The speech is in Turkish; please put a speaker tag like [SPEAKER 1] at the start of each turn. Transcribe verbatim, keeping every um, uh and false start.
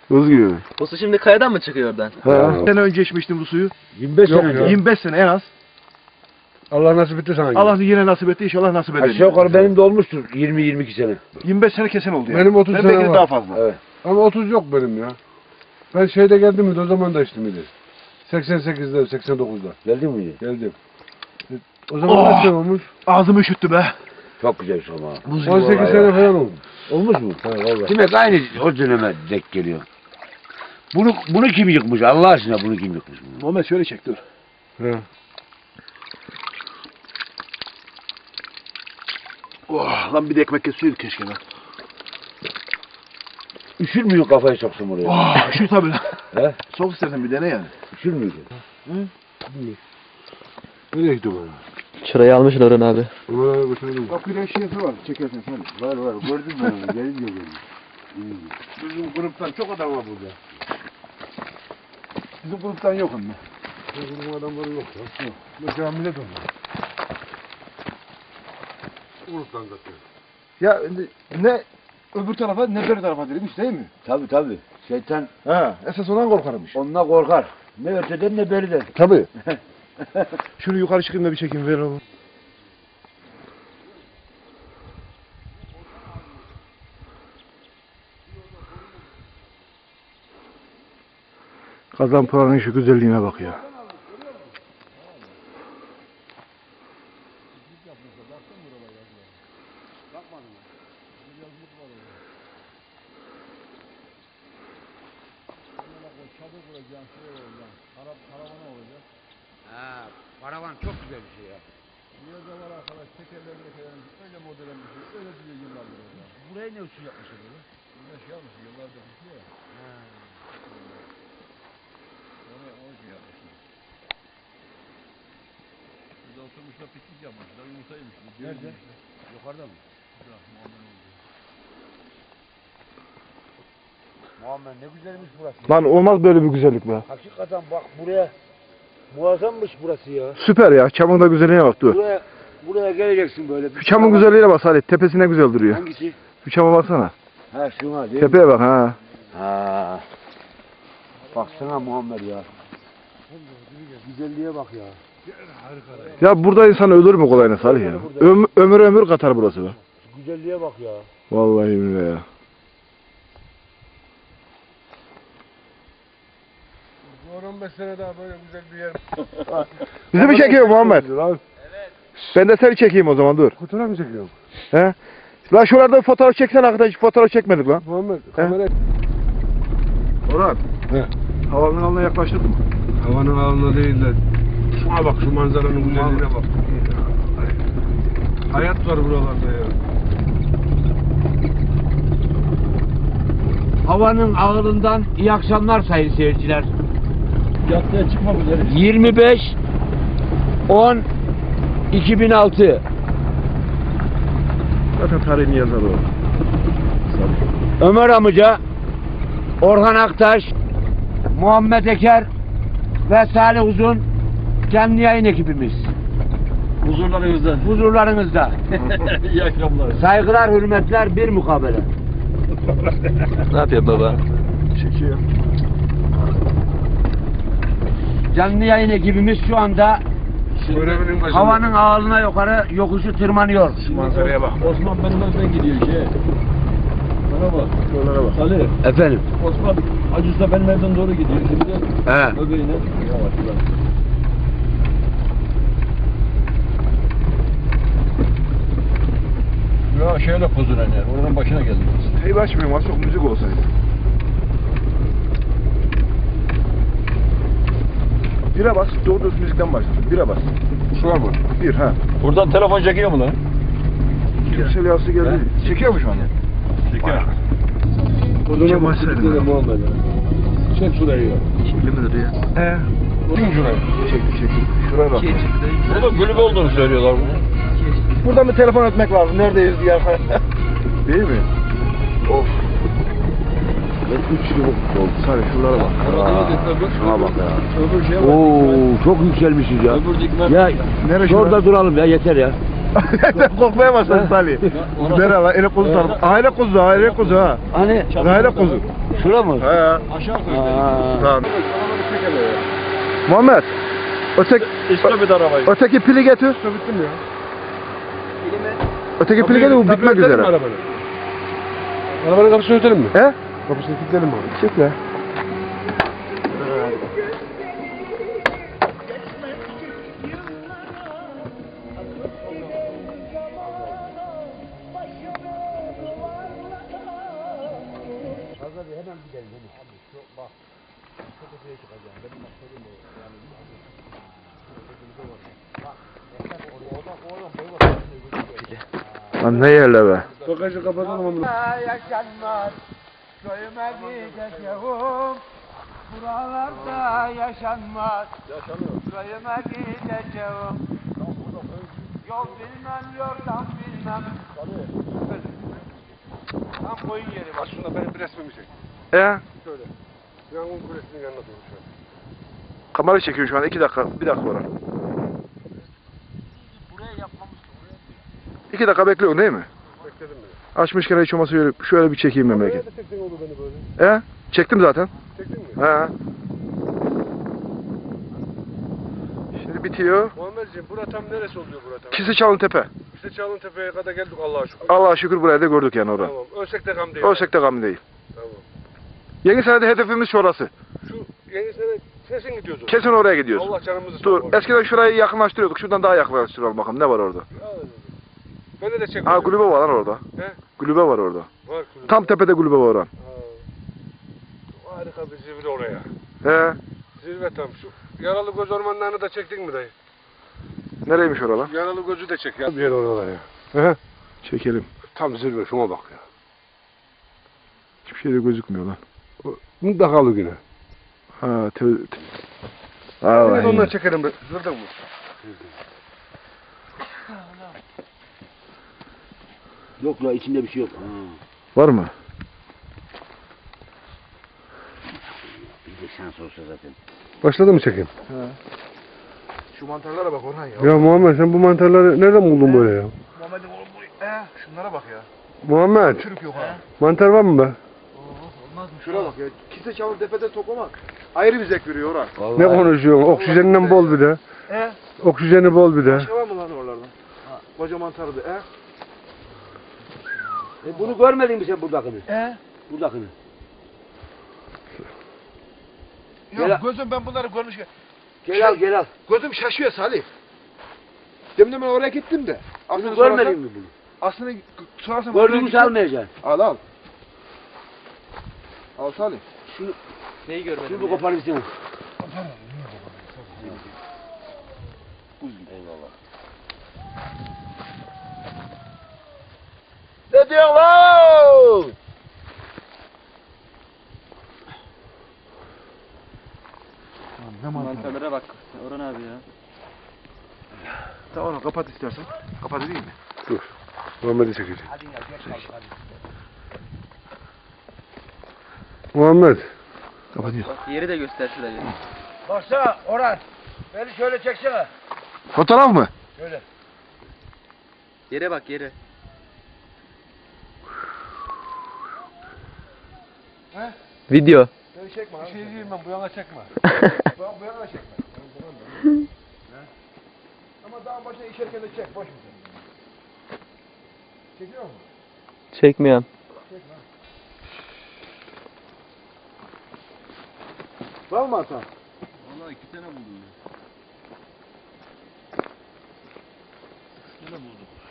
[SPEAKER 1] Buz gibi.
[SPEAKER 2] Bu su şimdi kayadan mı çıkıyor oradan?
[SPEAKER 1] He. Sene önce içmiştim bu suyu.
[SPEAKER 3] yirmi beş
[SPEAKER 1] Yok,
[SPEAKER 3] sene önce.
[SPEAKER 1] yirmi beş sene en az.
[SPEAKER 3] Allah nasip etti sana.
[SPEAKER 1] Allah yine nasip etti, inşallah nasip eder.
[SPEAKER 3] Aşağı yukarı benim de olmuştur yirmi yirmi iki sene.
[SPEAKER 1] yirmi beş sene kesin oldu ya.
[SPEAKER 4] Benim otuz
[SPEAKER 1] ben
[SPEAKER 4] sene
[SPEAKER 1] belki de
[SPEAKER 4] var.
[SPEAKER 1] daha fazla.
[SPEAKER 3] Evet.
[SPEAKER 4] Ama otuz yok benim ya. Ben şeyde geldim mi o zaman da içtim idi. seksen sekizde, seksen dokuzda
[SPEAKER 3] Geldin mi?
[SPEAKER 4] geldim. O zaman
[SPEAKER 1] Oh!
[SPEAKER 4] kaç sene olmuş?
[SPEAKER 1] Ağzımı üşüttü be.
[SPEAKER 3] Çok güzel şu ama.
[SPEAKER 1] Buz gibi
[SPEAKER 4] on sekiz
[SPEAKER 3] vallahi
[SPEAKER 4] sene
[SPEAKER 3] ya.
[SPEAKER 4] falan olmuş.
[SPEAKER 3] Olmuş mu?
[SPEAKER 4] Ha vallahi.
[SPEAKER 3] Demek aynı o döneme denk geliyor. Bunu bunu kim yıkmış? Allah aşkına bunu kim yıkmış? Bunu?
[SPEAKER 1] Muhammed şöyle çek dur.
[SPEAKER 4] Ha.
[SPEAKER 1] Oh, lan bir de ekmek kesiyorduk keşke be.
[SPEAKER 3] Üşür müyün kafayı soksun buraya?
[SPEAKER 1] Oh, şu tabii.
[SPEAKER 3] He?
[SPEAKER 1] Sok istersen bir dene yani.
[SPEAKER 3] Üşür müydü?
[SPEAKER 4] Nereye gitti bana?
[SPEAKER 2] Çırayı almışlar Orhan abi.
[SPEAKER 4] Ömer'e götürdüm.
[SPEAKER 1] Bak bir de şişesi var, çekersen sen.
[SPEAKER 3] Var var gördün mü? Gelin yok gelin.
[SPEAKER 4] Bizim gruptan çok adam var burada.
[SPEAKER 1] Bizim gruptan yok ama.
[SPEAKER 4] Bizim adamları yok ya. Yok. Mesela millet onlar. Gruptan zaten.
[SPEAKER 1] Ya ne öbür tarafa ne bir tarafa demiş değil mi?
[SPEAKER 3] Tabi tabi. Şeytan
[SPEAKER 1] Ha, esas ondan korkarmış.
[SPEAKER 3] onunla korkar. Ne öteden ne beriden.
[SPEAKER 1] Tabii. Şunu yukarı çıkayım da bir çekeyim ver oğlum. Kazanpınar'ın şu güzelliğine bak ya.
[SPEAKER 3] Ha, karavan çok güzel bir şey ya. Burayı ne usul yapmışlar böyle?
[SPEAKER 4] Bunlar şey yapmış, yıllardır tutuyor ya. Onu, onu şey yapmışlar. Burada oturmuşlar, piknik yapmışlar, yumurta yemişler.
[SPEAKER 3] Nerede? Yukarıda mı? Muhammed ne güzelmiş burası.
[SPEAKER 1] Lan olmaz böyle bir güzellik be.
[SPEAKER 3] Hakikaten bak buraya muazzammış burası ya.
[SPEAKER 1] Süper ya. Çamın da güzelliğine bak dur.
[SPEAKER 3] Buraya buraya geleceksin böyle.
[SPEAKER 1] Şu çamın güzelliğine bak Salih. Tepesine güzel duruyor.
[SPEAKER 3] Hangisi?
[SPEAKER 1] Şu çama baksana.
[SPEAKER 3] Ha şuna değil mi?
[SPEAKER 1] Tepeye bak ha.
[SPEAKER 3] Ha. Baksana Muhammed ya. Güzelliğe bak ya.
[SPEAKER 1] Ya burada insan ölür mü kolayına Salih ya? Öm ömür ömür katar burası be.
[SPEAKER 3] Güzelliğe bak ya.
[SPEAKER 1] Vallahi billahi ya.
[SPEAKER 4] on on beş sene daha böyle güzel bir yer.
[SPEAKER 1] Bizi mi çekiyor Muhammed? Evet. Ben de seni çekeyim o zaman dur.
[SPEAKER 4] Fotoğraf mı çekiyorum?
[SPEAKER 1] He? Lan şuralarda fotoğraf çeksen arkadaş hiç fotoğraf çekmedik lan.
[SPEAKER 4] Muhammed kamera...
[SPEAKER 1] Orhan.
[SPEAKER 4] He.
[SPEAKER 1] Havanın alına yaklaştırdın mı?
[SPEAKER 4] Havanın alnına değil de şuna bak, şu manzaranın güzelliğine bak. Hayat var buralarda ya.
[SPEAKER 3] Havanın ağırlığından iyi akşamlar sayın seyirciler.
[SPEAKER 4] Yatıya çıkma bu
[SPEAKER 3] yirmi beş on iki bin altı.
[SPEAKER 1] Zaten tarihini yazar o.
[SPEAKER 3] Ömer amca, Orhan Aktaş, Muhammed Eker ve Salih Uzun canlı yayın ekibimiz.
[SPEAKER 4] Huzurlarınızda.
[SPEAKER 3] Huzurlarınızda.
[SPEAKER 4] İyi akşamlar.
[SPEAKER 3] Saygılar, hürmetler, bir mukabele.
[SPEAKER 2] Ne yapıyor baba?
[SPEAKER 1] Çekiyor.
[SPEAKER 3] Canlı yayın ekibimiz şu anda
[SPEAKER 4] Görevinin başında.
[SPEAKER 3] havanın ağırlığına yukarı yokuşu tırmanıyor.
[SPEAKER 1] Şu manzaraya bak.
[SPEAKER 4] Osman benden gidiyor şey. Bana bak.
[SPEAKER 1] Şuralara bak.
[SPEAKER 4] Ali,
[SPEAKER 3] Efendim.
[SPEAKER 4] Osman Hacı Usta benim evden doğru gidiyor. Şimdi
[SPEAKER 3] He.
[SPEAKER 4] öbeğine. Yavaş yavaş. Ya şöyle pozulan yer. Oranın başına geldim.
[SPEAKER 1] Teyip açmıyorum az çok müzik olsaydı. Bire bas, doğru düz müzikten başlasın. Bire bas.
[SPEAKER 4] Şu var mı?
[SPEAKER 1] Bir ha.
[SPEAKER 4] Buradan telefon çekiyor mu lan?
[SPEAKER 1] Yüksel yası geldi. Çekiyor mu şu anda?
[SPEAKER 4] Çekiyor.
[SPEAKER 1] Buradan başlayalım.
[SPEAKER 4] Muhammed. Çek şurayı ya.
[SPEAKER 2] Çekili midir ya?
[SPEAKER 1] He.
[SPEAKER 4] Çek şurayı.
[SPEAKER 1] Çekti çekti. Şuraya bak.
[SPEAKER 4] Burada kulüp olduğunu söylüyorlar bunu.
[SPEAKER 1] Buradan bir telefon etmek lazım. Neredeyiz diye. Değil mi? Of. Ben üç yıl oldu. Sadece şuralara bak.
[SPEAKER 3] Şuna bak ya.
[SPEAKER 4] Öbür şeye bak.
[SPEAKER 3] Oo, çok yükselmişiz ya.
[SPEAKER 4] Öbür dikmen.
[SPEAKER 3] Ya
[SPEAKER 1] Neresi
[SPEAKER 3] şurada
[SPEAKER 1] var?
[SPEAKER 3] duralım ya, yeter ya.
[SPEAKER 1] Sen korkmaya başladın Salih. Merhaba, eli kuzu tanım. Aile kuzu, aile kuzu ha.
[SPEAKER 3] Hani
[SPEAKER 1] Aile kuzu.
[SPEAKER 3] şura mı?
[SPEAKER 1] He.
[SPEAKER 4] Aşağı
[SPEAKER 3] Aa.
[SPEAKER 1] Tamam. Muhammed. Öteki,
[SPEAKER 4] İşte bir arabayı.
[SPEAKER 1] öteki pili getir.
[SPEAKER 4] İşte bittim ya.
[SPEAKER 1] Öteki pili getir, bu bitmek
[SPEAKER 4] Kapıyı örtelim mi
[SPEAKER 1] üzere.
[SPEAKER 4] arabanın? Arabanın kapısını örtelim mi?
[SPEAKER 1] He?
[SPEAKER 4] Kapısını kilitleyelim mi abi?
[SPEAKER 1] Çekle. Lan ne yerle be?
[SPEAKER 4] Bagajı kapatalım onu.
[SPEAKER 3] Yaşanmaz, köyüme gideceğim. Buralarda yaşanmaz. Köyüme gideceğim. Yol bilmem, yoldan bilmem.
[SPEAKER 4] Tam koyun yeri bak şunda benim bir resmimi çek.
[SPEAKER 1] He?
[SPEAKER 4] Şöyle. Yangın kulesinin yanına doğru şöyle.
[SPEAKER 1] Kamera çekiyor şu an. iki dakika. Bir dakika var. İki dakika bekliyorsun değil mi?
[SPEAKER 4] Bekledim beni.
[SPEAKER 1] Açmışken hiç olmazsa şöyle, şöyle bir çekeyim memleket.
[SPEAKER 4] Nerede çektin oldu beni böyle?
[SPEAKER 1] He? Çektim zaten.
[SPEAKER 4] Çektin mi?
[SPEAKER 1] He. Şimdi bitiyor.
[SPEAKER 4] Muhammedciğim bura tam neresi oluyor bura tam?
[SPEAKER 1] Kisi Çalıntepe.
[SPEAKER 4] İşte Çalıntepe'ye kadar geldik Allah'a şükür.
[SPEAKER 1] Allah'a şükür burayı da gördük yani orada.
[SPEAKER 4] Tamam. Ölsek de gam değil.
[SPEAKER 1] Ölsek de gam değil.
[SPEAKER 4] Tamam.
[SPEAKER 1] Yeni senede hedefimiz şurası.
[SPEAKER 4] Şu yeni sene kesin gidiyordu.
[SPEAKER 1] Kesin oraya gidiyoruz.
[SPEAKER 4] Allah canımızı
[SPEAKER 1] Dur.
[SPEAKER 4] sağlık.
[SPEAKER 1] Eskiden şurayı yakınlaştırıyorduk. Şuradan daha yakınlaştıralım bakalım. Ne var orada?
[SPEAKER 4] Beni de çek.
[SPEAKER 1] Ha kulübe var lan orada.
[SPEAKER 4] He?
[SPEAKER 1] Kulübe var orada.
[SPEAKER 4] Var kulübe.
[SPEAKER 1] Tam tepede kulübe var lan.
[SPEAKER 4] Ha. Harika bir zirve oraya.
[SPEAKER 1] He.
[SPEAKER 4] Zirve tam. Şu yaralı göz ormanlarını da çektin mi dayı?
[SPEAKER 1] Nereymiş oralar?
[SPEAKER 4] Yaralı gözü de çek ya. Bir yer oralar ya. He?
[SPEAKER 1] Çekelim.
[SPEAKER 4] Tam zirve şuna bak ya.
[SPEAKER 1] Hiçbir şey de gözükmüyor lan.
[SPEAKER 4] Mutlaka güne.
[SPEAKER 1] Ha te... te...
[SPEAKER 4] Evet,
[SPEAKER 1] Aa,
[SPEAKER 4] onları çekelim be. Zırdın mı?
[SPEAKER 3] Yok la içinde bir şey yok.
[SPEAKER 1] var mı?
[SPEAKER 3] Bir de şans olsa zaten.
[SPEAKER 4] Başladı mı çekim?
[SPEAKER 1] Şu mantarlara bak Orhan ya.
[SPEAKER 4] Ya Muhammed sen bu mantarları nereden buldun böyle ya?
[SPEAKER 1] Muhammed'in oğlum bu. He, şunlara bak ya.
[SPEAKER 4] Muhammed
[SPEAKER 1] Çürük yok ha.
[SPEAKER 4] mantar var mı be?
[SPEAKER 1] Şuna bak ya. Kise çalın tepede toplamak. Ayrı bir zevk veriyor Orhan.
[SPEAKER 4] Ne konuşuyorsun? Oksijeninden bol bir de.
[SPEAKER 1] He?
[SPEAKER 4] Oksijeni bol bir de.
[SPEAKER 1] Başka var mı lan oralardan? Koca mantarı da. He?
[SPEAKER 3] E bunu görmedin mi sen buradakini?
[SPEAKER 1] He?
[SPEAKER 3] Buradakini.
[SPEAKER 1] Yok
[SPEAKER 3] Gel-
[SPEAKER 1] gözüm ben bunları görmüş.
[SPEAKER 3] Gel al gel al.
[SPEAKER 1] Gözüm şaşıyor Salih. Demin ben oraya gittim de.
[SPEAKER 3] Bunu
[SPEAKER 1] Aslında
[SPEAKER 3] görmedin mi bunu?
[SPEAKER 1] Aslında sorarsam oraya
[SPEAKER 3] Gördüğümü
[SPEAKER 1] gittim.
[SPEAKER 3] salmayacaksın.
[SPEAKER 1] Al al. Al Salih.
[SPEAKER 3] Şunu,
[SPEAKER 2] Neyi görmedim
[SPEAKER 3] şunu bir
[SPEAKER 2] ya?
[SPEAKER 3] koparayım sana.
[SPEAKER 1] Ne diyorsun lan? Ne mantarı?
[SPEAKER 2] Mantarlara bak Orhan abi ya.
[SPEAKER 1] Tamam kapat istersen. Kapat edeyim mi?
[SPEAKER 4] Dur. Muhammed'i çekeceğim. Muhammed.
[SPEAKER 1] Kapatıyor.
[SPEAKER 2] Bak yeri de göster şurayı.
[SPEAKER 3] Baksana Orhan. Beni şöyle çeksene.
[SPEAKER 1] Fotoğraf mı?
[SPEAKER 3] Şöyle.
[SPEAKER 2] Yere bak yere. Video.
[SPEAKER 1] Beni çekme
[SPEAKER 4] Bir
[SPEAKER 1] abi.
[SPEAKER 4] şey diyeyim ben bu yana çekme.
[SPEAKER 1] Bu bu yana çekme. Ama daha başına işerken de çek. Boş ver. Çekiyor musun?
[SPEAKER 2] Çekmiyorum.
[SPEAKER 1] Var mı hata?
[SPEAKER 4] Vallahi iki tane buldum ya. İki tane buldum.